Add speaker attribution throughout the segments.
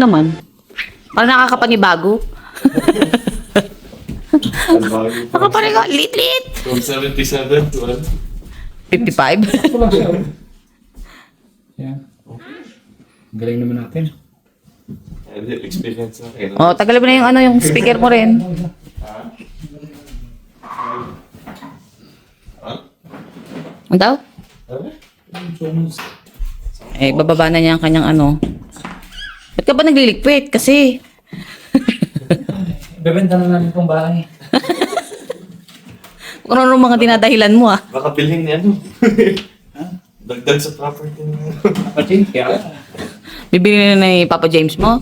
Speaker 1: naman. Parang nakakapanibago. Nakapanibago. Lit-lit.
Speaker 2: From 77 to
Speaker 1: 55.
Speaker 3: Ito lang siya. Yan. Galing naman natin.
Speaker 2: experience na kayo.
Speaker 1: Oh, tagal mo na yung ano, yung speaker mo rin. Ano daw? Eh, bababa na niya ang kanyang ano. Ba't ka ba nagliliquid? Kasi,
Speaker 3: Bebenta na namin itong bahay.
Speaker 1: kung ano mga dinadahilan mo ah.
Speaker 2: Baka bilhin niya ano. Dagdag sa property niya.
Speaker 3: Kapatid, kaya.
Speaker 1: Bibili na ni Papa James mo?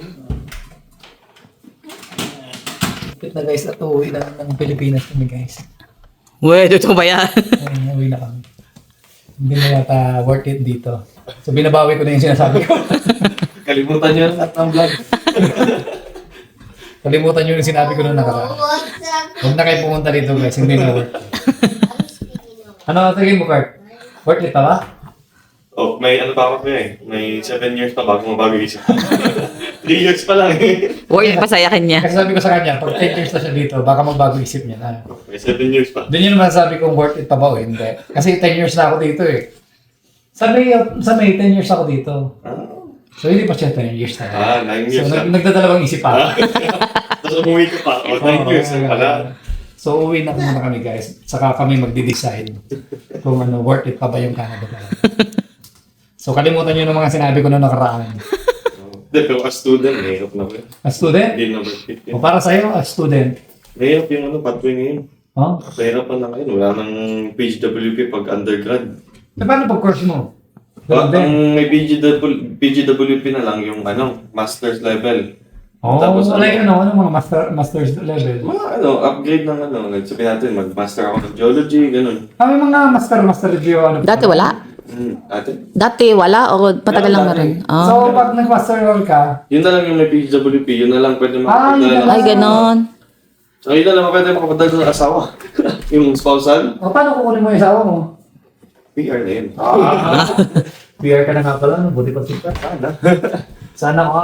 Speaker 3: Kapit na guys, at uuwi na ng Pilipinas kami guys.
Speaker 1: Uwe, totoo ba yan?
Speaker 3: Ay, uwi na kami. Hindi na yata worth it dito. So binabawi ko na yung sinasabi ko.
Speaker 2: Kalimutan niyo lahat ng vlog.
Speaker 3: Kalimutan nyo yung sinabi ko noong nakaraan. Huwag na kayo pumunta dito guys, hindi na worth it. Ano tingin mo, Kurt? Worth it pa ba?
Speaker 2: Oh, may ano pa ako eh. May 7 years pa bago mabago isip. 3 years pa lang eh.
Speaker 1: Worth pasayakin niya.
Speaker 3: Kasi sabi ko sa kanya, pag 10 years na siya dito, baka magbago isip niya na.
Speaker 2: May 7 years pa.
Speaker 3: Doon yun naman sabi kong worth it pa ba o hindi. Kasi 10 years na ako dito eh. Sa May 10 years ako dito. So hindi pa siya 10 years na.
Speaker 2: 9 years
Speaker 3: So
Speaker 2: na.
Speaker 3: nagdadalawang isip pa.
Speaker 2: Tapos umuwi ka pa. O, 9 years na pala.
Speaker 3: So uwi na muna kami guys. Saka kami magde-decide kung ano, worth it pa ba yung Canada pa. So kalimutan nyo ng mga sinabi ko noong nakaraan.
Speaker 2: Hindi, pero as student, mahirap na ko yun.
Speaker 3: A student?
Speaker 2: Hindi na worth it
Speaker 3: O
Speaker 2: yun.
Speaker 3: para sa'yo, a student.
Speaker 2: Mahirap yung ano, pathway ngayon.
Speaker 3: Oh?
Speaker 2: Mahirap na ngayon. Wala nang PGWP pag undergrad.
Speaker 3: E paano pag course mo?
Speaker 2: Ang may PGWP na lang yung ano, master's level.
Speaker 3: Oh,
Speaker 2: Tapos
Speaker 3: like ano mga master's level?
Speaker 2: Mga ano, upgrade ng ano. Sabihin natin, mag-master ako ng geology, ganun.
Speaker 3: May mga master review ano?
Speaker 1: Dati wala?
Speaker 2: Ate?
Speaker 1: Dati wala o matagal lang na rin? Ah.
Speaker 3: So pag nag-master role ka,
Speaker 2: Yun na lang yung may PGWP, yun na lang pwede
Speaker 3: yun na
Speaker 2: makapadala.
Speaker 3: lang.
Speaker 1: Ay, ganon.
Speaker 2: So yun na lang pwede makapadala ng asawa. Yung spousal,
Speaker 3: o paano kukunin mo yung asawa mo?
Speaker 2: PR na yun.
Speaker 3: PR ka na nga pala, no? Buti pa sika. Sana ako.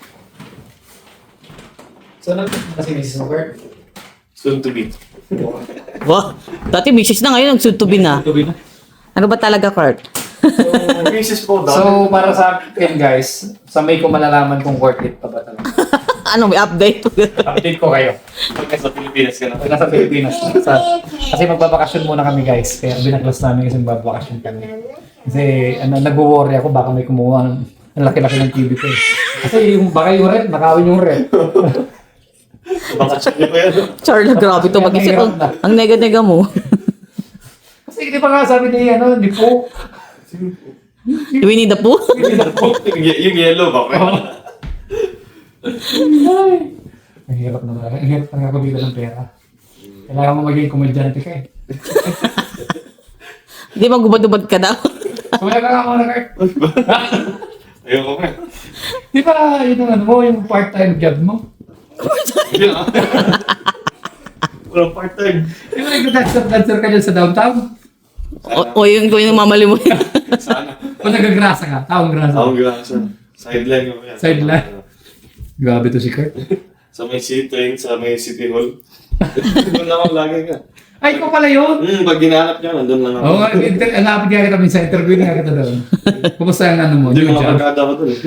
Speaker 3: Sana kasi Mrs. Robert.
Speaker 2: Soon to be.
Speaker 1: Wow. Dati misis na ngayon, nagsutubi na.
Speaker 3: Tubi na.
Speaker 1: Ano ba talaga, Kurt?
Speaker 2: Cases po,
Speaker 3: So, para sa akin guys, sa May ko malalaman kung worth it pa ba talaga.
Speaker 1: Ano, may update?
Speaker 3: Update ko kayo.
Speaker 2: Pagka sa Pilipinas ka na.
Speaker 3: Pag nasa Pilipinas. Kasi magbabakasyon muna kami guys. Kaya binaklas namin kasi magbabakasyon kami. Kasi nag-worry ako baka may kumuha ng ang laki-laki ng TV ko eh. Kasi baka yung rep, nakawin yung rep.
Speaker 2: Bakasyon niyo pa yan.
Speaker 1: Charla, grabe to mag-isip. Ang nega-nega mo.
Speaker 3: Kasi hindi pa nga sabi ni di po.
Speaker 1: Winnie the Pooh?
Speaker 2: Yung yellow ba?
Speaker 3: Ang hirap na talaga. Ang hirap talaga kumita ng pera. Kailangan mo maging komedyante ka eh.
Speaker 1: Hindi magubad-ubad ka daw.
Speaker 3: Kumaya ka nga muna, Kurt.
Speaker 2: Ayoko nga.
Speaker 3: Di ba yun ang ano mo, yung part-time job mo?
Speaker 2: Yun ah. Walang part-time.
Speaker 3: Di ba nag-dancer ka dyan sa downtown?
Speaker 1: O yung mamali mo.
Speaker 2: Sana.
Speaker 3: O nagagrasa ka? Taong grasa.
Speaker 2: Ako gasa. Sideline ko yan.
Speaker 3: Sideline? Grabe to si Kurt.
Speaker 2: Sa may train, sa may City Hall. Doon ako lagi ka.
Speaker 3: Ay, ikaw pala yun!
Speaker 2: Pag ginahanap niya, nandun lang ako.
Speaker 3: Oo, alapit nga kita minsan, interview nga kita doon. Kumusta ang ano mo?
Speaker 2: Hindi
Speaker 3: New
Speaker 2: mga
Speaker 3: job?
Speaker 2: barkada ko dun eh.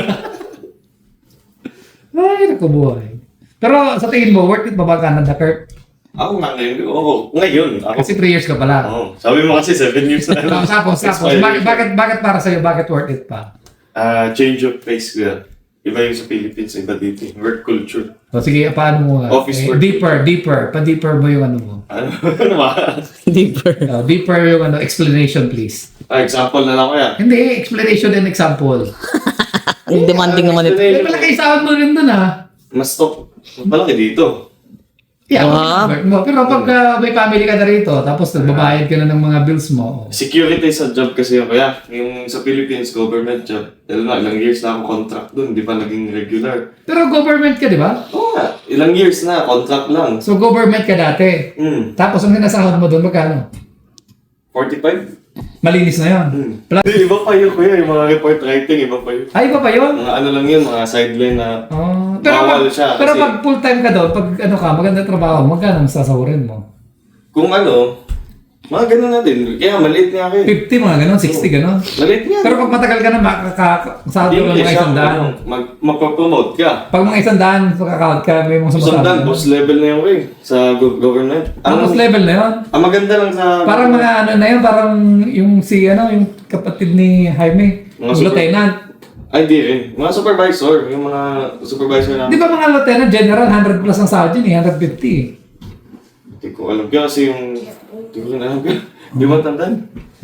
Speaker 3: Ay, naku buhay. Pero sa tingin mo, worth it ba ba Canada, Kurt?
Speaker 2: Ako nga ngayon. Oo, ngayon. Ako.
Speaker 3: Kasi 3 years ka pala.
Speaker 2: Oo. Sabi mo kasi 7 years na lang.
Speaker 3: Tapos. Bakit para sa'yo, bakit worth it pa?
Speaker 2: Change of pace ko. Iba yung sa Philippines, iba dito. Work culture.
Speaker 3: O sige, paano mo?
Speaker 2: Office work.
Speaker 3: Deeper. Pa-deeper mo yung ano mo.
Speaker 2: Ano ba?
Speaker 1: Deeper.
Speaker 3: Deeper yung explanation please.
Speaker 2: Example na lang ko yan.
Speaker 3: Hindi, explanation and example.
Speaker 1: Ang demanding naman ito.
Speaker 3: May malaki sahod mo rin dun
Speaker 2: Mas top. Mas malaki dito.
Speaker 3: Yeah,
Speaker 1: Wow.
Speaker 3: pero pag may family ka na rito, tapos nagbabayad ka na ng mga bills mo.
Speaker 2: Security sa job kasi yun. Kaya yung sa Philippines, government job. Dahil na, ilang years na ako contract dun. Hindi pa naging regular.
Speaker 3: Pero government ka, di ba?
Speaker 2: Oo nga. Ilang years na, contract lang.
Speaker 3: So government ka dati. Tapos ang sinasahod mo dun, magkano?
Speaker 2: 45?
Speaker 3: Malinis na yun.
Speaker 2: Hindi, iba pa yun kuya, yung mga report writing, iba pa yun.
Speaker 3: Ay, iba pa yun?
Speaker 2: Mga ano lang yun, mga sideline na
Speaker 3: Pero
Speaker 2: bawal siya.
Speaker 3: pero
Speaker 2: kasi
Speaker 3: pag full time ka doon, pag ano ka, maganda trabaho, magkano ang sasahurin mo?
Speaker 2: kung ano, mga ganun na din. Kaya maliit nga kayo.
Speaker 3: 50 mga ganon, 60 ganon.
Speaker 2: Maliit nga.
Speaker 3: Pero pag matagal ka na, makakasahod ka ng mga isang daan.
Speaker 2: Magpapromote ka.
Speaker 3: Pag mga isang daan, makakahod ka, may mga
Speaker 2: Isang
Speaker 3: sumasahod.
Speaker 2: daan, boss level na yung way sa government.
Speaker 3: Ang boss level na yun.
Speaker 2: Ang maganda lang sa...
Speaker 3: Parang mga ano na yun, parang yung si ano, yung kapatid ni Jaime,
Speaker 2: Mga
Speaker 3: yung
Speaker 2: super-
Speaker 3: lieutenant.
Speaker 2: Ay, di rin. Mga supervisor. Yung mga supervisor na...
Speaker 3: Di ba mga lieutenant, general, 100 plus ang sahod yun eh, 150.
Speaker 2: Hindi ko alam. Kaya kasi yung... Hindi ko na alam. Di ba tandaan?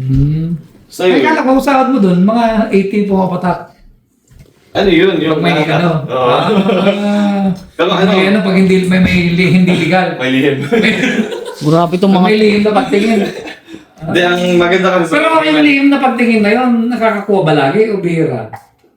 Speaker 3: Ay,
Speaker 2: Sa'yo.
Speaker 3: kala ko sahod mo dun, mga 80 pumapatak.
Speaker 2: Ano yun? Yung
Speaker 3: Pag may ano.
Speaker 2: Oo. Pero
Speaker 3: Pag
Speaker 2: ano?
Speaker 3: may ano, pag hindi, hindi legal.
Speaker 2: May lihim.
Speaker 1: Grabe itong
Speaker 3: Pag
Speaker 1: mga...
Speaker 3: may lihim na pagtingin.
Speaker 2: Hindi, ang maganda kasi
Speaker 3: Pero kung yung lihim na pagtingin na yun, nakakakuha ba lagi o bihira?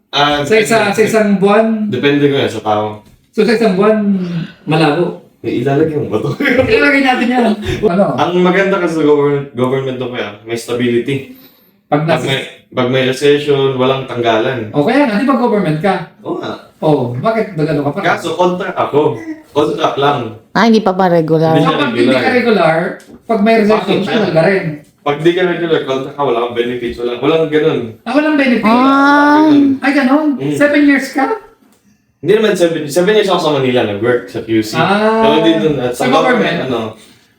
Speaker 3: Sa isang buwan,
Speaker 2: Depende ko yan sa tao.
Speaker 3: so sa isang buwan, malabo.
Speaker 2: May ilalagay mo ba ito?
Speaker 3: Ilalagay natin yan. Ano?
Speaker 2: Ang maganda kasi sa government to kaya, may stability.
Speaker 3: Pag
Speaker 2: Pag
Speaker 3: nasa...
Speaker 2: may recession, walang tanggalan.
Speaker 3: O kaya nga, di ba government ka?
Speaker 2: Oo nga.
Speaker 3: O, bakit nagano ka pa?
Speaker 2: Kaso, contract ako. Contract lang.
Speaker 1: Ah, hindi pa ba regular?
Speaker 2: Hindi.
Speaker 3: So, pag hindi ka regular, pag may recession,
Speaker 2: Bakit siya?
Speaker 3: tagal ka rin.
Speaker 2: Pag di ka regular, contract ka, wala kang benefits. Walang ganun.
Speaker 3: Walang benefit.
Speaker 1: Ah,
Speaker 3: Ay, ganon? 7 years ka?
Speaker 2: Hindi naman 7 years ako sa Manila, nag-work sa QC.
Speaker 3: Ah.
Speaker 2: Pero din dun, at
Speaker 3: Sa government?
Speaker 2: ano,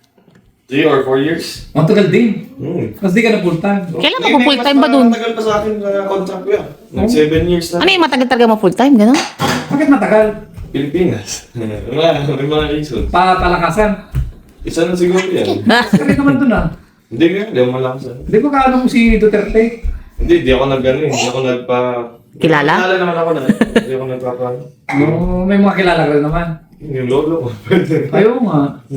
Speaker 2: 3 or 4 years.
Speaker 3: Ang tagal din. Mas di ka na full time.
Speaker 1: Kailan ka po full time ba dun?
Speaker 2: Matagal pa sa akin na contract ko yan. Nag 7 years na.
Speaker 1: ano yung matagal talaga mo full time, gano'n?
Speaker 3: Bakit matagal?
Speaker 2: Pilipinas. May mga reason.
Speaker 3: Palakasan.
Speaker 2: Isa na siguro yan.
Speaker 3: Kasi naman dun ah.
Speaker 2: Hindi nga, hindi ako malakasan.
Speaker 3: Di ba kaano mo si Duterte?
Speaker 2: Hindi ako hindi ako nagpa...
Speaker 1: Kilala?
Speaker 2: Kilala naman ako na. Hindi ako nagpapa...
Speaker 3: Oo, may mga kilala ka rin naman.
Speaker 2: Yung lolo ko.
Speaker 3: Ayaw nga.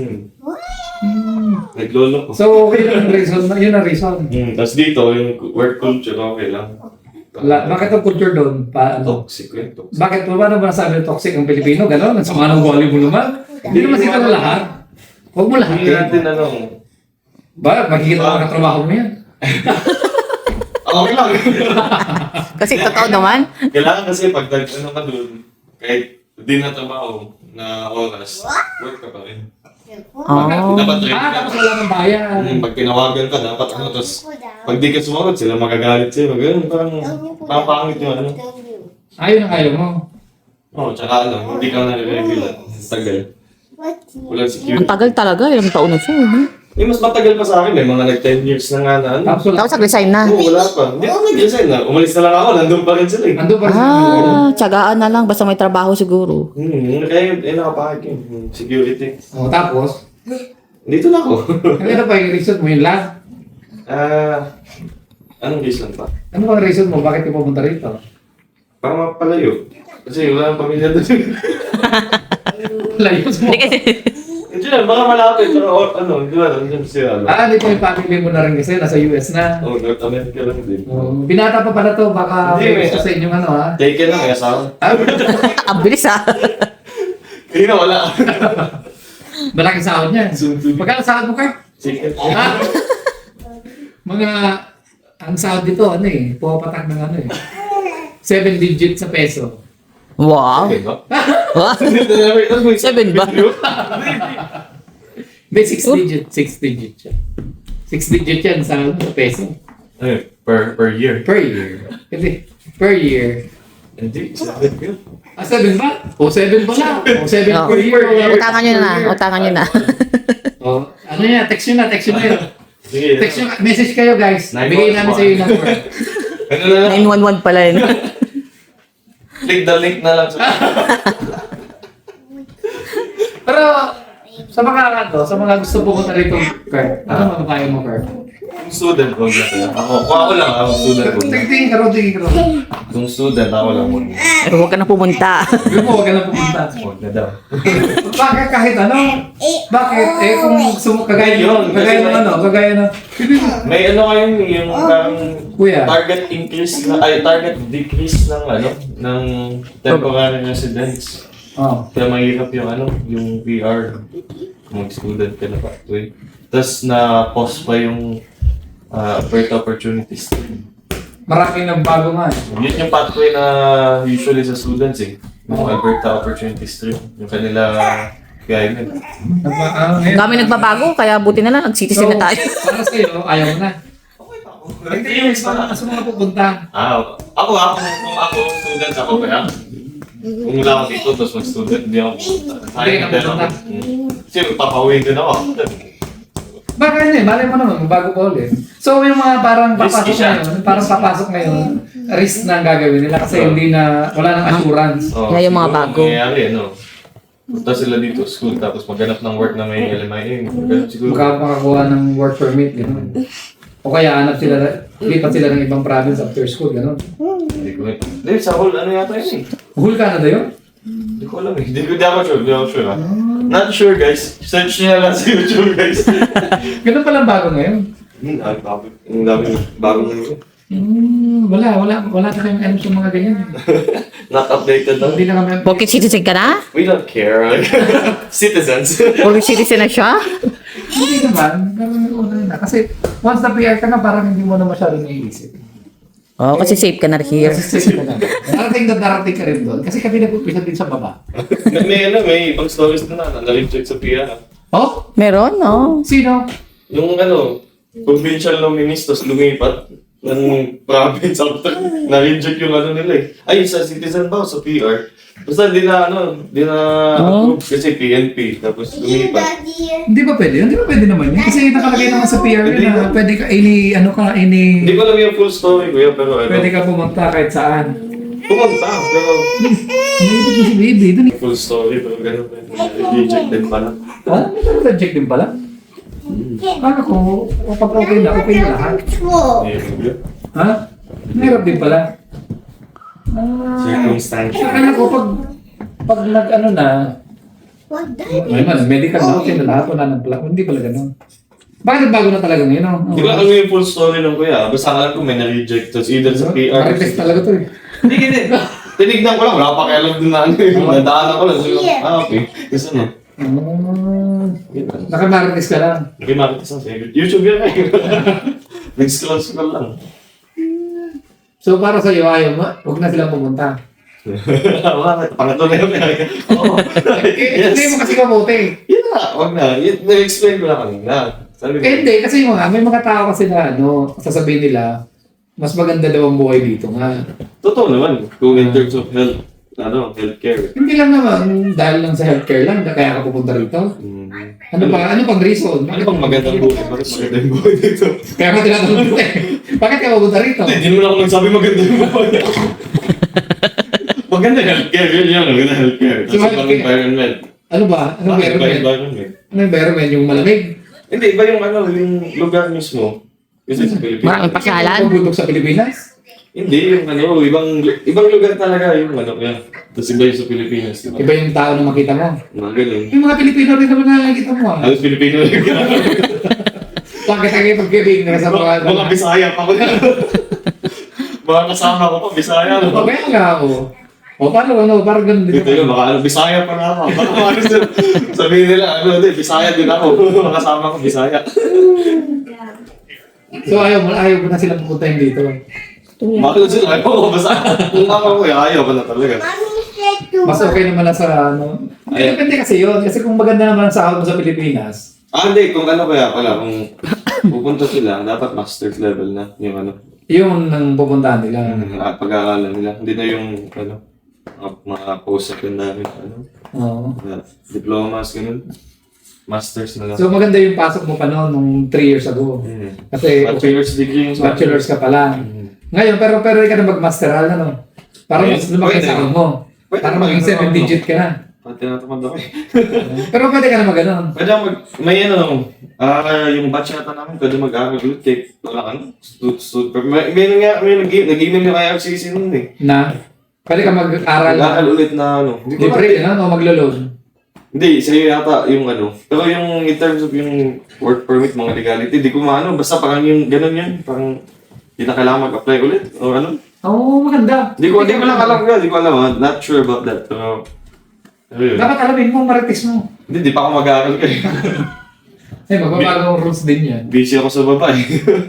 Speaker 2: Naglolo ko.
Speaker 3: So, okay lang yung reason. Yun ang reason.
Speaker 2: Tapos dito, yung work culture, okay lang.
Speaker 3: Bakit ang culture doon?
Speaker 2: Toxic yun, toxic.
Speaker 3: Bakit pa ba naman sabi toxic ang Pilipino? Ganon? Ang sama ng ugali mo naman? Hindi naman sila na lahat. Huwag mo lahat.
Speaker 2: Hindi natin ano.
Speaker 3: Ba, makikita mo ang trabaho mo yan.
Speaker 2: Okay lang.
Speaker 1: Kasi totoo naman.
Speaker 2: Kailangan kasi pag ano ka dun, kahit di na trabaho na oras, work ka pa rin.
Speaker 1: Oh.
Speaker 2: Dapat ready ka.
Speaker 3: Tapos wala ng bayan.
Speaker 2: Pag tinawagan ka, dapat ano, tapos pag di ka sumagot, sila magagalit sa'yo. Ganun, parang pangit yung ano.
Speaker 3: Ayun ang ayaw mo.
Speaker 2: Oo, tsaka ano, hindi ka na regular. Tagal. Walang
Speaker 1: Ang
Speaker 2: security.
Speaker 1: tagal talaga, ilang taon na siya.
Speaker 2: Mas matagal pa sa akin, may mga nag-10 years na nga na ano.
Speaker 3: Tapos wala.
Speaker 1: Tapos nag-resign na.
Speaker 2: Oo, wala pa. Hindi ako nag-resign na. Umalis na lang ako, nandun pa rin sila eh.
Speaker 3: Ando pa rin sila.
Speaker 1: Ah, tsagaan na lang, basta may trabaho siguro.
Speaker 2: Kaya nakapakit yun, yung security.
Speaker 3: O, tapos,
Speaker 2: Dito na ako.
Speaker 3: ano pa yung reason mo? Yun lang?
Speaker 2: Anong reason pa?
Speaker 3: Ano bang reason mo? Bakit ka pumunta rito?
Speaker 2: Para mapalayo. Kasi wala nang pamilya doon.
Speaker 3: Layos mo.
Speaker 1: Hindi kasi...
Speaker 2: Hindi na, baka malapit. Pero ano, di ba? Nandiyan si ano.
Speaker 3: Di ko yung family mo na rin kasi nasa US na.
Speaker 2: Oh, North America lang din.
Speaker 3: Binata pa pala to, baka
Speaker 2: Hindi,
Speaker 3: may
Speaker 2: may-
Speaker 3: gusto sa inyong ano ha.
Speaker 2: Take lang, may asawa.
Speaker 1: Ang bilis ah.
Speaker 2: Kaya na wala.
Speaker 3: Malaking sahod niya.
Speaker 2: Sunod-sunod.
Speaker 3: Magkano sahod mo ka?
Speaker 2: Secret.
Speaker 3: Mga, ang sahod dito, ano eh, pumapatak ng ano eh. 7 digits sa peso.
Speaker 1: Wow.
Speaker 2: Okay ba?
Speaker 1: Wow. 7 ba?
Speaker 3: May 6 digit, 6 digit siya. 6 digit yan sa peso.
Speaker 2: Ay, per year.
Speaker 3: Per year. Kasi, per year.
Speaker 2: Hindi, 7 yun.
Speaker 3: 7 ba? O 7 pala. O 7
Speaker 1: Oh.
Speaker 3: per year.
Speaker 1: Utangan nyo na, utangan nyo na.
Speaker 3: Ano yan? Text nyo na, text nyo na.
Speaker 2: Sige.
Speaker 3: Text nyo, message kayo guys. Bigay namin sa iyo yung number.
Speaker 2: Ano na lang?
Speaker 1: 911 pala yun.
Speaker 2: Click the link na lang sa...
Speaker 3: Pero, sa mga gusto pumunta rito, Kurt, ano mapapayo mo, Kurt?
Speaker 2: Kung student ko na ako lang, ako student ko na.
Speaker 3: Tingin ka rin, tingin ka rin.
Speaker 2: Kung student, ako lang muna.
Speaker 1: Pero huwag ka na pumunta.
Speaker 3: Sabi mo, huwag ka na pumunta.
Speaker 2: Huwag na daw.
Speaker 3: Bakit kahit ano? Bakit? Kung kagaya
Speaker 2: Yun,
Speaker 3: kagaya ng
Speaker 2: kasi
Speaker 3: ano, kagaya ng...
Speaker 2: May ano kayo yung parang
Speaker 3: Kuya.
Speaker 2: target increase na, ay target decrease ng ano, ng temporary residents.
Speaker 3: Oh.
Speaker 2: Kaya mahirap yung ano, yung PR. Kung mag-student ka na pa. Tapos na-pause pa yung Alberta Opportunity Stream.
Speaker 3: Maraming nagbago nga eh.
Speaker 2: Yun yung pathway na usually sa students eh. Yung Alberta Opportunity Stream. Yung kanila guidance.
Speaker 3: Ngayon,
Speaker 1: Kami nagbabago, kaya buti na lang, nag-citizen na tayo.
Speaker 3: para sa'yo, ayaw mo na. Hindi yung sa mga pupunta.
Speaker 2: Kung ako student ako kaya. Kung wala ako dito, tapos mag-student, hindi ako pupunta.
Speaker 3: Hindi ka pupunta.
Speaker 2: Kasi papawin din ako.
Speaker 3: Baka yun eh, malay mo naman, bago pa ulit. So yung mga parang
Speaker 2: Risky
Speaker 3: papasok
Speaker 2: siya.
Speaker 3: ngayon, parang papasok ngayon, risk na ang gagawin nila kasi hindi na, wala nang assurance.
Speaker 1: Kaya yung mga bago.
Speaker 2: Nangyayari, ano? Punta sila dito sa school, tapos maghanap ng work na may LMIA. Ganun siguro.
Speaker 3: Baka makakuha ng work permit, gano'n. O kaya hanap sila, lipat sila ng ibang province after school, gano'n.
Speaker 2: Hindi, sa whole ano yata yun eh.
Speaker 3: Whole Canada yun?
Speaker 2: Hindi ko alam eh. Hindi ako sure ah. Not sure guys. Search niya lang sa YouTube guys.
Speaker 3: Ganun palang bago ngayon.
Speaker 2: Ang dami bagong ngayon.
Speaker 3: Wala na kayong alam sa mga ganyan.
Speaker 2: Not updated lang.
Speaker 3: Hindi na kami,
Speaker 1: Porkit citizen ka na?
Speaker 2: We don't care. Citizens.
Speaker 1: Porkit citizen na siya?
Speaker 3: hindi naman, pero may una na. Kasi once na PR ka na, parang hindi mo na masyadong naiisip.
Speaker 1: Oo, kasi safe ka na here.
Speaker 3: Kasi safe ka na. Darating ka rin doon. Kasi kami nag-upisa din sa baba.
Speaker 2: may ibang stories na na-reject sa PIA.
Speaker 3: Oh?
Speaker 1: Meron, no?
Speaker 3: Sino?
Speaker 2: Yung provincial nominees, tapos lumipat ng province after na-reject yung nila eh. Ay, sa citizen ba o sa PR? Basta di na approve kasi PNP, tapos lumipat.
Speaker 3: Hindi ba pwede? Hindi ba pwede naman yun? Kasi nakalagay naman sa PR yun na pwede ka,
Speaker 2: Hindi ko alam yung full story kuya, pero
Speaker 3: pwede ka pumunta kahit saan.
Speaker 2: pumunta, pero
Speaker 3: Hindi ko si baby. Doon
Speaker 2: full story, pero ganun pa. Reject din pala.
Speaker 3: Ha? Reject din pala? Kala ko, pag okay na lahat. Ha? Mahirap din pala.
Speaker 2: Circumstantial.
Speaker 3: Kala ko pag nag-ano na, medical na okay na lahat, wala nang pala. Hindi pala ganun. Bakit bago na talaga ngayon? No?
Speaker 2: Hindi ko alam yung full story ng kuya. Basta alam ko may na-reject. Tapos either sa PR.
Speaker 3: Marites talaga to eh.
Speaker 2: Hindi. Tinignan ko lang. Wala pa kailan din na ano yung nadaanan ko lang. So, okay. Kasi ano.
Speaker 3: Nakamarites ka lang.
Speaker 2: Nakimakit sa YouTube yan eh. Nag-scroll lang.
Speaker 3: So para sa'yo, ayaw mo, huwag na silang pumunta.
Speaker 2: Pangatlo na yun. Oo.
Speaker 3: Hindi mo kasi kabuti.
Speaker 2: Yun na. Huwag na. Na-explain ko lang kanina. Sabi ko.
Speaker 3: Hindi, kasi may mga tao kasi na sasabihin nila, mas maganda daw ang buhay dito nga.
Speaker 2: Totoo naman. Kung in terms of healthcare.
Speaker 3: Hindi lang naman, dahil lang sa healthcare lang, kaya ka pupunta rito. Ano pang reason?
Speaker 2: Ano bang magandang buhay? Bakit maganda yung buhay dito?
Speaker 3: Kaya ka tinatanong ko eh. Bakit ka pupunta rito?
Speaker 2: Hindi naman ako nagsabi maganda yung buhay. Maganda healthcare. Yun. Maganda healthcare.
Speaker 3: So,
Speaker 2: Tapos pang environment.
Speaker 3: Ano ba? Ano environment? Ano environment? Yung malamig?
Speaker 2: Hindi, iba yung yung lugar mismo. Kasi sa Pilipinas.
Speaker 1: Maraming pasyalan.
Speaker 3: Ang bundok sa Pilipinas?
Speaker 2: Hindi, yung ibang lugar talaga yung yan. Tapos iba yung sa Pilipinas. Diba?
Speaker 3: Iba yung tao na makita mo.
Speaker 2: Mga ganun.
Speaker 3: Yung mga Pilipino rin naman nakikita mo ah.
Speaker 2: Halos Pilipino yung
Speaker 3: Bakit ang pagkiling na sa
Speaker 2: mga Bisaya pa ko na. Mga kasama ko pa, Bisaya. No?
Speaker 3: Kaya nga ako. O paano, parang ganun din
Speaker 2: Dito yun, baka Bisaya pa na ako. Baka sabihin nila, Bisaya din ako. Mga kasama ko, Bisaya.
Speaker 3: So ayaw mo na silang pupuntahin dito.
Speaker 2: Bakit sila? Ayaw ko, basta kung ako ayaw ko na talaga.
Speaker 3: Mas okay naman na sa Depende kasi yun. Kasi kung maganda naman ang sahod mo sa Pilipinas.
Speaker 2: Hindi. Kung kaya pala, kung pupunta sila, dapat master's level na. Yung
Speaker 3: Yun ang pupuntahan nila.
Speaker 2: pag-aaralan nila. Hindi na yung, mga post-secondary,
Speaker 3: Oo.
Speaker 2: diplomas, ganun. Masters na lang.
Speaker 3: So maganda yung pasok mo pa noon nung 3 years ago. Kasi
Speaker 2: Bachelor's degree yung
Speaker 3: bachelor's ka pa lang. Ngayon, pero di ka na mag-masteral na no? Parang mas lumaki
Speaker 2: Pwede.
Speaker 3: sa mo.
Speaker 2: Pwede
Speaker 3: Parang
Speaker 2: naman,
Speaker 3: maging 7 digit ka na.
Speaker 2: Tinatamad ako eh.
Speaker 3: Pero pwede ka na mag-ganon.
Speaker 2: Pwede ako may yung batch yata namin, pwede mag-aaral ulit kahit wala may nag-email yung IRCC nun eh.
Speaker 3: Na? Pwede ka mag-aral
Speaker 2: Mag-aaral ulit na Hindi ko
Speaker 3: libre ka na o maglo-loan?
Speaker 2: Hindi, sa'yo yata yung Pero yung in terms of yung work permit, mga legality, di ko basta parang yung ganun yan, parang di na kailangan mag-apply ulit, o ano.
Speaker 3: Oo, maganda.
Speaker 2: Di ko lang alam ko, di ko alam, not sure about that, pero yun.
Speaker 3: Dapat alamin mo, marites mo.
Speaker 2: Hindi pa ako mag-aaral kayo.
Speaker 3: Magbabagong rules din yan.
Speaker 2: Busy ako sa baba eh.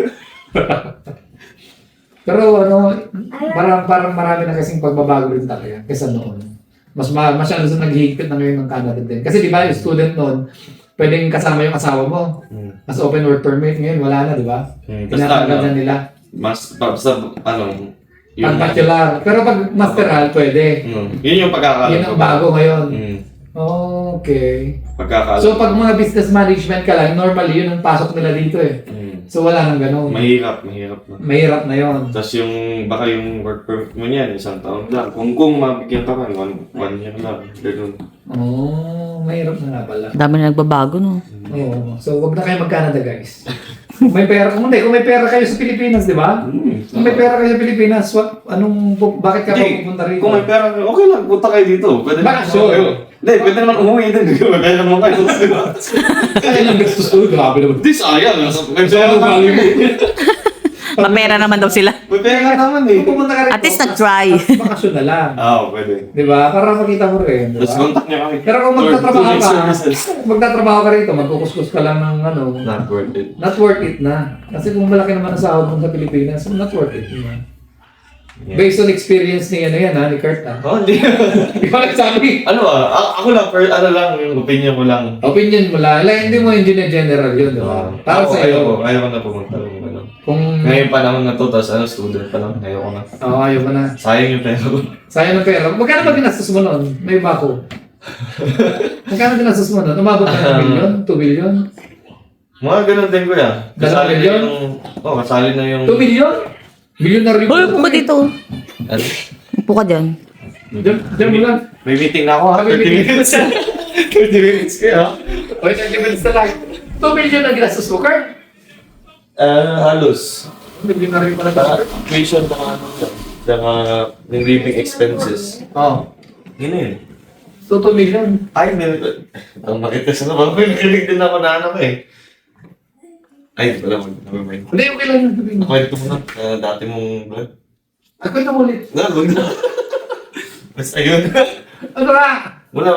Speaker 3: Pero ano, parang marami na kasing pagbabago rin talaga kaysa noon. Masyado sa naghihigpit na ngayon ng Canada din. Kasi di ba, yung student noon, pwedeng kasama yung asawa mo. Mas open work permit ngayon, wala na, di ba? Tinatanggal na nila.
Speaker 2: Basta, ano,
Speaker 3: Pag bachelor. Pero pag masteral, pwede.
Speaker 2: Yun yung pagkakalam.
Speaker 3: Yun ang bago ngayon.
Speaker 2: Mm.
Speaker 3: Okay.
Speaker 2: Pagkakalam.
Speaker 3: So pag mga business management ka lang, normally yun ang pasok nila dito eh. So wala nang ganun.
Speaker 2: Mahirap na.
Speaker 3: Mahirap na yun.
Speaker 2: Tapos baka yung work permit mo niyan, 1 taon lang. Kung mabigyan ka man, 1 year lang. Ganun.
Speaker 3: Mahirap na nga pala.
Speaker 1: Dami na nagbabago, no?
Speaker 3: Oo. So wag na kayo mag-Canada, guys. Kung may pera, kung may pera kayo sa Pilipinas, di ba? Kung may pera kayo sa Pilipinas, bakit ka
Speaker 2: Hindi,
Speaker 3: pupunta rito?
Speaker 2: kung may pera, okay lang, punta kayo dito. Pwede naman
Speaker 3: Bakasyon.
Speaker 2: kayo. Hindi, pwede naman umuwi din. May pera naman kayo.
Speaker 3: Kaya lang gastos ko, grabe naman.
Speaker 2: Hindi, sayang. May pera naman.
Speaker 1: Mapera naman daw sila.
Speaker 2: May pera naman eh.
Speaker 3: Kung pupunta ka rito,
Speaker 1: At least nag-try.
Speaker 3: bakasyon na lang.
Speaker 2: Pwede.
Speaker 3: Di ba? Para makita mo rin, di
Speaker 2: Tapos
Speaker 3: ba?
Speaker 2: contact niya kami.
Speaker 3: Pero kung
Speaker 2: Services.
Speaker 3: magtatrabaho ka rito, magkukuskus ka lang ng ano,
Speaker 2: Not worth it.
Speaker 3: not worth it na. Kasi kung malaki naman ang sahod mo sa Pilipinas, not worth it. Diba?
Speaker 2: Yeah.
Speaker 3: Based on experience ni ni Kurt
Speaker 2: Hindi.
Speaker 3: Di ba nagsabi?
Speaker 2: Ako lang, ano lang, yung opinion ko lang.
Speaker 3: Opinion mo lang. Hindi mo engineer general yun, di ba? Para sa iyo.
Speaker 2: Ayaw ko na pumunta.
Speaker 3: Kung...
Speaker 2: Ngayon panahon na to, tapos student pa lang, ayaw ko na.
Speaker 3: ayaw mo na.
Speaker 2: Sayang yung pera ko.
Speaker 3: Sayang ng pera. Magkano ba ginastos mo noon? May iba ko. Magkano ginastos mo noon? Umabot ka ng million? 2 million?
Speaker 2: Mga ganun din ko yan.
Speaker 3: 2 million?
Speaker 2: Kasali na yung...
Speaker 3: 2 million? Millionaire
Speaker 1: Hoy, upo ka dito.
Speaker 2: Ano?
Speaker 1: Upo ka dyan.
Speaker 3: Diyan mo lang.
Speaker 2: May meeting na ako ha,
Speaker 3: May
Speaker 2: 30 minutes. 30 minutes kaya.
Speaker 3: O, 30 minutes na lang. 2 million ang ginastos mo, Kurt?
Speaker 2: Halos.
Speaker 3: Millionaire pala
Speaker 2: Saka tuition, saka yung living expenses.
Speaker 3: Oo.
Speaker 2: Yun na yun.
Speaker 3: So, 2 million.
Speaker 2: Ay, ang makita sa naman. May nakilig din ako na ano ko eh. Ay, wala mo. Never mind.
Speaker 3: Hindi, okay lang yung sabihin mo.
Speaker 2: Kwento mo na. Dati mong vlog.
Speaker 3: Ako na ulit.
Speaker 2: Wag na. Basta yun.
Speaker 3: Ano ka?
Speaker 2: Wala.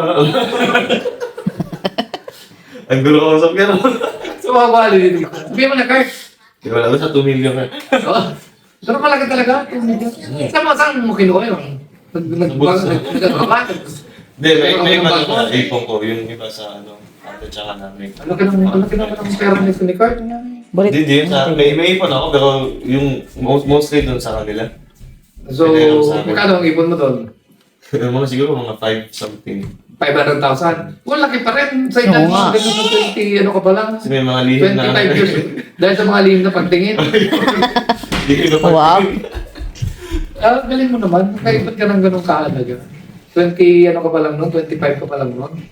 Speaker 2: Ang gulo ko sa pera mo.
Speaker 3: Sumabali dito. Sabihin mo na, Kurt.
Speaker 2: Di wala ba sa 2 million ka?
Speaker 3: Oo. Pero malaki talaga. 2 million. Saan mo kinuha yun? Nagbaga.
Speaker 2: Hindi, may iba na ipon ko. Yung iba sa ate tsaka namin.
Speaker 3: Laki naman ang pera nito ni Kurt.
Speaker 1: Bulit.
Speaker 2: Hindi, may ipon ako pero yung mostly dun sa kanila.
Speaker 3: So, magkano ang ipon mo doon?
Speaker 2: Mga siguro mga 5 something.
Speaker 3: 500,000. Kung laki pa rin. Sa edad
Speaker 1: Oo
Speaker 3: mo,
Speaker 1: nga.
Speaker 3: ganun sa 20, ano ka pa lang?
Speaker 2: Kasi may mga lihim na...
Speaker 3: 25 years. Dahil sa mga lihim na pagtingin.
Speaker 2: Hindi ko na
Speaker 1: Wow.
Speaker 3: Galing mo naman. Kaibot ka ng ganun kaalaga. 20, ano ka pa lang nun? 25 ka pa lang nun?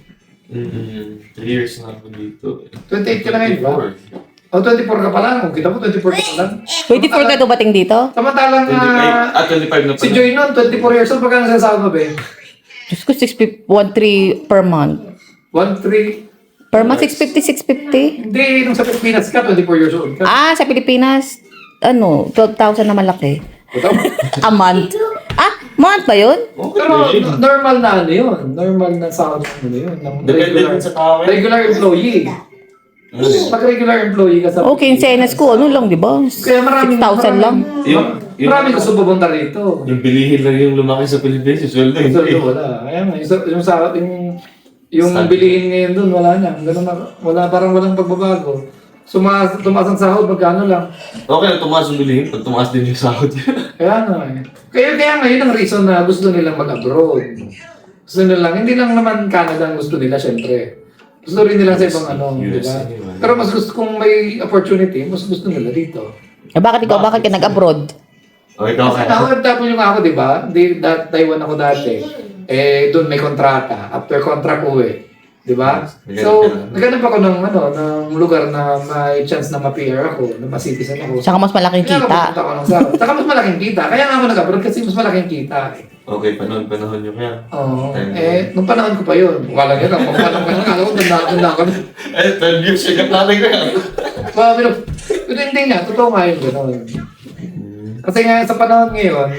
Speaker 2: 3 years na ako dito.
Speaker 3: 28 ka na ngayon, ba? O, 24 ka pa lang. Kung kita mo, 24 ka pa lang.
Speaker 1: 24 ka dumating dito?
Speaker 3: Samantalang,
Speaker 2: 25 na
Speaker 3: si
Speaker 2: pala.
Speaker 3: Joy nun, 24 years old, pagka nasasahod mo, be?
Speaker 1: Diyos ko, 1,300 per month.
Speaker 3: 1-3.
Speaker 1: Per month, 650, 650?
Speaker 3: Hindi, nung sa Pilipinas ka, 24 years old ka.
Speaker 1: Sa Pilipinas, 12,000 na malaki.
Speaker 3: Ito?
Speaker 1: A month. Month ba yun?
Speaker 3: Pero normal na ano yun. Normal na sahod mo na yun. Ng
Speaker 2: Depende din sa tao.
Speaker 3: regular employee. Pag regular employee ka sa
Speaker 1: Okay, in fairness ko, ano lang, di ba?
Speaker 3: Kaya maraming
Speaker 1: 6,000 lang.
Speaker 3: Maraming gusto pupunta rito.
Speaker 2: Yung bilihin lang yung lumaki sa Pilipinas, yung sweldo
Speaker 3: So,
Speaker 2: hindi.
Speaker 3: wala. Kaya nga, yung bilihin ngayon doon, wala na. Ganun na. Parang walang pagbabago. Tumaas ang sahod, magkano lang.
Speaker 2: Okay na tumaas yung bilihin, pag tumaas din yung sahod.
Speaker 3: Kaya nga eh. Kaya nga yun ang reason na gusto nilang mag-abroad. Gusto nilang, hindi lang naman Canada ang gusto nila, syempre. Gusto rin nila sa ibang di ba?
Speaker 2: USA,
Speaker 3: Pero mas gusto, kung may opportunity, mas gusto nila dito.
Speaker 1: Bakit ikaw? Bakit ka nag-abroad?
Speaker 2: Okay, ikaw
Speaker 3: Kasi
Speaker 2: kaya.
Speaker 3: OFW nga ako, di ba? Taiwan ako dati. Doon may kontrata. After contract uwi. Di ba? So, naghanap ako ng lugar na may chance na ma-PR ako, na ma-citizen ako.
Speaker 1: Saka mas malaking
Speaker 3: Kaya
Speaker 1: kita.
Speaker 3: napunta ako ng sahod. Saka mas malaking kita. Kaya nga ako nag-abroad kasi mas malaking kita.
Speaker 2: Okay, panahon nyo kaya.
Speaker 3: Oo. Nung panahon ko pa yun. Wala yun. Kung panahon ko lang, alam ko, tanda ko.
Speaker 2: 12 years yung natin ko yan.
Speaker 3: Pero hindi nga. Totoo nga yun. Gano'n. Kasi nga sa panahon ngayon,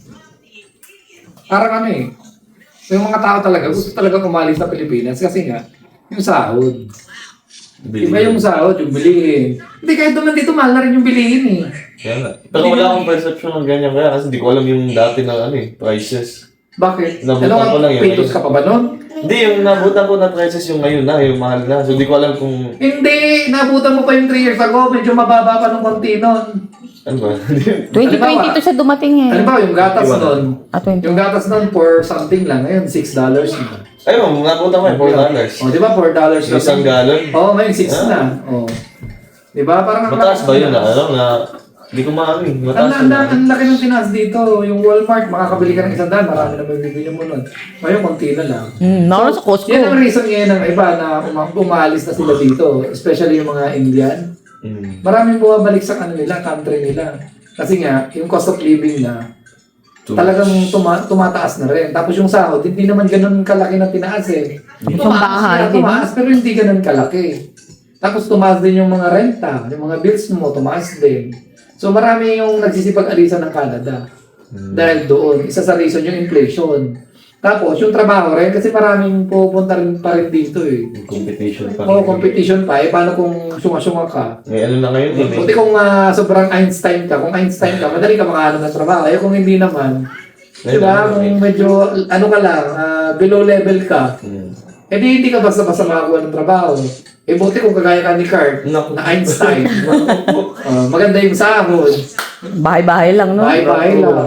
Speaker 3: parang yung mga tao talaga, gusto talaga umalis sa Pilipinas kasi nga, yung sahod. Iba yung sahod, yung bilihin. Hindi, kahit naman dito, mahal na rin yung bilihin eh.
Speaker 2: Kaya nga. Pero wala akong perception ng ganyan kaya kasi di ko alam yung dati na prices.
Speaker 3: Bakit?
Speaker 2: Nabutan ko lang yun.
Speaker 3: Pitos ka pa ba nun?
Speaker 2: Hindi, yung nabutan ko na prices yung ngayon na, yung mahal na. So di ko alam kung...
Speaker 3: Hindi, nabutan mo pa yung 3 years ago, medyo mababa pa ng konti nun.
Speaker 2: Ano ba?
Speaker 1: 2022 siya dumating eh.
Speaker 3: Ano ba, yung gatas nun?
Speaker 1: 20.
Speaker 3: Yung gatas nun for something lang, ngayon $6 na.
Speaker 2: Ayun, nabutan ko yung $4.
Speaker 3: O, di ba $4 na?
Speaker 2: Isang galon.
Speaker 3: Oo, ngayon 6 na. O. Di ba? Parang
Speaker 2: Mataas ba yun na? Hindi ko maano eh. Mataas yun.
Speaker 3: Ang laki ng tinaas dito. Yung Walmart, makakabili ka ng $100, marami na mabibili mo nun. Ngayon, konti na lang.
Speaker 1: Nakuha sa Costco.
Speaker 3: Yan ang reason ngayon ng iba na umalis na sila dito. Especially yung mga Indian. Maraming bumabalik sa nila, country nila. Kasi nga, yung cost of living na, talagang tumataas na rin. Tapos yung sahod, hindi naman ganun kalaki na tinaas eh. Tumaas, pero hindi ganun kalaki. Tapos tumaas din yung mga renta, yung mga bills mo, tumaas din. So marami yung nagsisipag-alisan ng Canada. Dahil doon, isa sa reason yung inflation. Tapos yung trabaho rin, kasi maraming pupunta rin pa rin dito eh.
Speaker 2: Competition pa.
Speaker 3: Oo, competition pa eh. Paano kung sunga-sunga ka?
Speaker 2: May ano na ngayon eh.
Speaker 3: Buti kung sobrang Einstein ka, kung Einstein ka, madali ka makahanap ng trabaho. Eh kung hindi naman, di ba? Kung medyo, ano ka lang, below level ka, eh di hindi ka basta-basta makakuha ng trabaho. Eh buti kung kagaya ka ni Kurt, na Einstein, maganda yung sahod.
Speaker 1: Bahay-bahay lang, no?
Speaker 3: Bahay-bahay lang.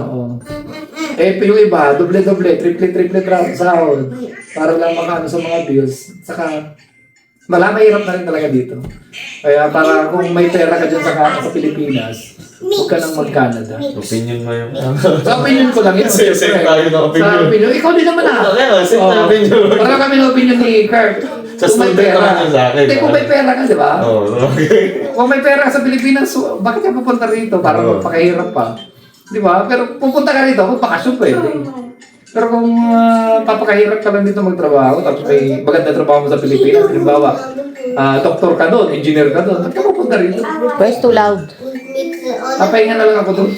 Speaker 3: Eh yung iba, doble-doble, triple-triple sahod. Para lang makaano sa mga bills. Saka, mahirap na rin talaga dito. Kaya para kung may pera ka dyan sa Pilipinas, huwag ka nang mag-Canada.
Speaker 2: Opinion mo yung...
Speaker 3: Sa opinion ko lang yun.
Speaker 2: Same tayo ng opinion.
Speaker 3: Sa opinion. Ikaw din naman ah.
Speaker 2: Okay, same na opinion.
Speaker 3: Para kami ng opinion ni Kurt.
Speaker 2: Sa student naman yun sa akin.
Speaker 3: Hindi, kung may pera ka, di ba?
Speaker 2: Oo, okay.
Speaker 3: Kung may pera ka sa Pilipinas, bakit ka pupunta rito para magpakahirap pa? Di ba? Pero pupunta ka rito, magpakasyon pwede. Pero kung papakahirap ka lang dito magtrabaho, tapos may maganda trabaho mo sa Pilipinas, halimbawa, doktor ka doon, engineer ka doon, ba't ka pupunta rito?
Speaker 1: Where's too loud?
Speaker 3: Papahinga na lang ako doon.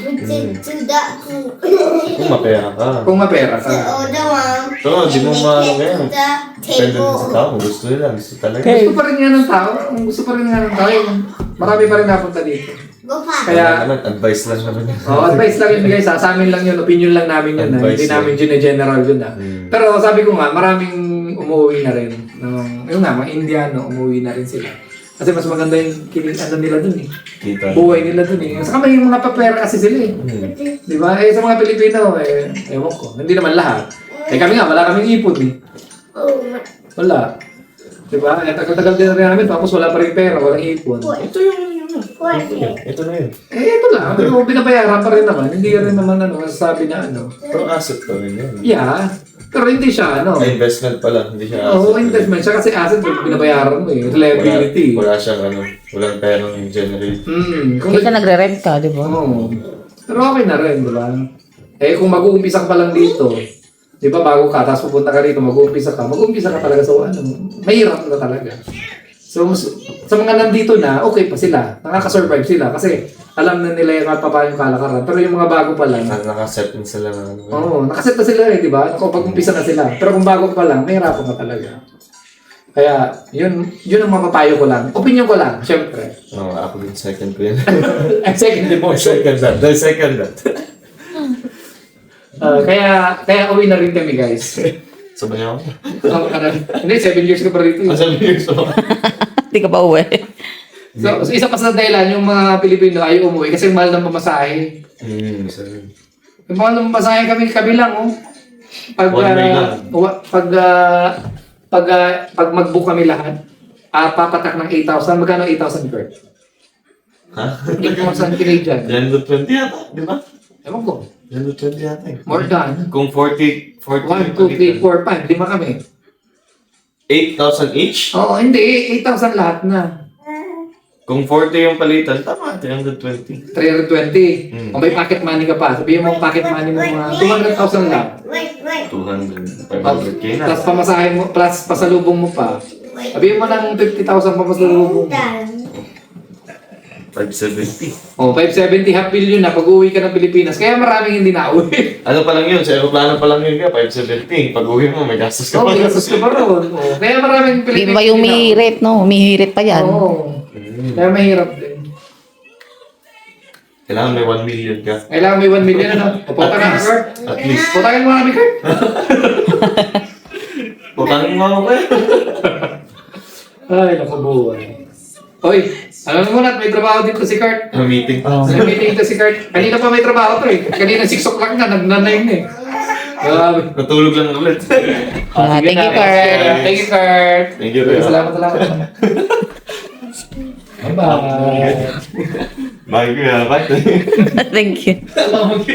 Speaker 2: Kung mapera ka.
Speaker 3: Kung mapera ka.
Speaker 2: Oo, di mo maano ngayon. Depende din sa tao. Kung gusto nila, gusto talaga.
Speaker 3: Gusto pa rin nga ng tao. Kung gusto pa rin nga ng tao, marami pa rin napunta dito.
Speaker 2: Kaya naman, advice lang naman yun.
Speaker 3: Advice lang yun guys. Sa amin lang yun, opinion lang namin yun. Hindi namin gine-general yun. Pero sabi ko nga, maraming umuwi na rin. Yung nga, mga Indiano, umuwi na rin sila. Kasi mas maganda yung nila dun eh.
Speaker 2: Kita.
Speaker 3: Buhay nila dun eh. Saka may mga papera kasi sila eh. Di ba? Eh sa mga Pilipino, ewan ko. Hindi naman lahat. Eh kami nga, wala kaming ipon eh. Wala. Di ba? Eh tagal-tagal din rin namin, tapos wala pa rin pera, walang ipon.
Speaker 2: Ito yung ito na yun.
Speaker 3: Ito lang. Pero binabayaran pa rin naman. Hindi rin naman masasabi na
Speaker 2: Pero asset pa rin yun.
Speaker 3: Yeah. Pero hindi siya
Speaker 2: Investment pala, hindi siya
Speaker 3: asset. Oo, investment siya kasi asset binabayaran mo eh. Reliability.
Speaker 2: Wala siyang walang perang generate.
Speaker 1: Kaya nagre-rent ka, di ba?
Speaker 3: Oo. Pero okay na rin, di ba? Eh kung mag-uumpisa ka pa lang dito, di ba bago ka, tapos pupunta ka rito, mag-uumpisa ka talaga sa mahirap na talaga. So, sa mga nandito na, okay pa sila. Nakaka-survive sila kasi alam na nila yung paano yung kalakaran. Pero yung mga bago pa lang,
Speaker 2: Nakaset din sila na
Speaker 3: oo, nakaset na sila eh, di ba? Nakapag-umpisa na sila. Pero kung bago pa lang, mahirapan ka talaga. Kaya, yun ang mapapayo ko lang. Opinion ko lang, syempre.
Speaker 2: Oo, ako din second ko yun.
Speaker 3: Second din mo.
Speaker 2: Second that.
Speaker 3: Kaya uwi na rin kami, guys.
Speaker 2: Sabay ako.
Speaker 3: Hindi, 7 years ka pa rito.
Speaker 2: Sabi years ako.
Speaker 1: Hindi ka pa uwi.
Speaker 3: So, isa pa sa dahilan, yung mga Pilipino ay umuwi kasi mahal ng pamasahe.
Speaker 2: Isa rin.
Speaker 3: Yung mahal ng pamasahe kami lang, oh. Pag mag-book kami lahat, papatak ng 8,000. Magkano 8,000 per?
Speaker 2: Ha?
Speaker 3: 8,000 Canadian.
Speaker 2: 120 yata, di ba?
Speaker 3: Ewan ko.
Speaker 2: 120 yata eh.
Speaker 3: More than.
Speaker 2: Kung 40
Speaker 3: 1, 2, 3, 4, 5. 5 kami.
Speaker 2: 8,000 each?
Speaker 3: Oo, hindi. 8,000 lahat na.
Speaker 2: Kung 40 yung palitan, tama, 320.
Speaker 3: 320. Kung may pocket money ka pa, sabihin mo pocket money mo mga 200,000 lang.
Speaker 2: 200, 500k na.
Speaker 3: Plus pamasahin mo, plus pasalubong mo pa. Sabihin mo ng 50,000 pa pasalubong mo.
Speaker 2: 570.
Speaker 3: Oh, 570 half billion na pag-uwi ka ng Pilipinas. Kaya maraming hindi na-uwi.
Speaker 2: Ano pa lang yun? Sa aeroplano pa lang yun ka, 570. Pag uwi mo, may gastos ka
Speaker 3: Oo,
Speaker 2: pa.
Speaker 3: gastos ka pa ron. Oh, kaya maraming
Speaker 1: Di
Speaker 3: Pilipino.
Speaker 1: ba yung umihirit, no? Umihirit pa yan.
Speaker 3: Oo. Kaya mahirap din.
Speaker 2: Kailangan may 1 million ka.
Speaker 3: Kailangan may 1 million, ano? Pupunta ka na, Kurt.
Speaker 2: At least.
Speaker 3: Putangin mo kami, Kurt.
Speaker 2: Putangin mo ako kayo.
Speaker 3: Ay, naku buhay. Hoy, alam mo na, may trabaho dito si Kurt.
Speaker 2: Meeting pa.
Speaker 3: May meeting ito si Kurt. Kanina pa may trabaho to eh. Kanina 6 o'clock na, nagnanay na eh. Grabe.
Speaker 2: Natulog lang ulit.
Speaker 1: Ah,
Speaker 3: Sige
Speaker 1: thank you,
Speaker 3: na.
Speaker 1: Kurt.
Speaker 3: Thank you, Kurt.
Speaker 2: Thank you, Kurt.
Speaker 3: Salamat. Bye-bye.
Speaker 2: Bye, kuya. Bye.
Speaker 1: Thank you.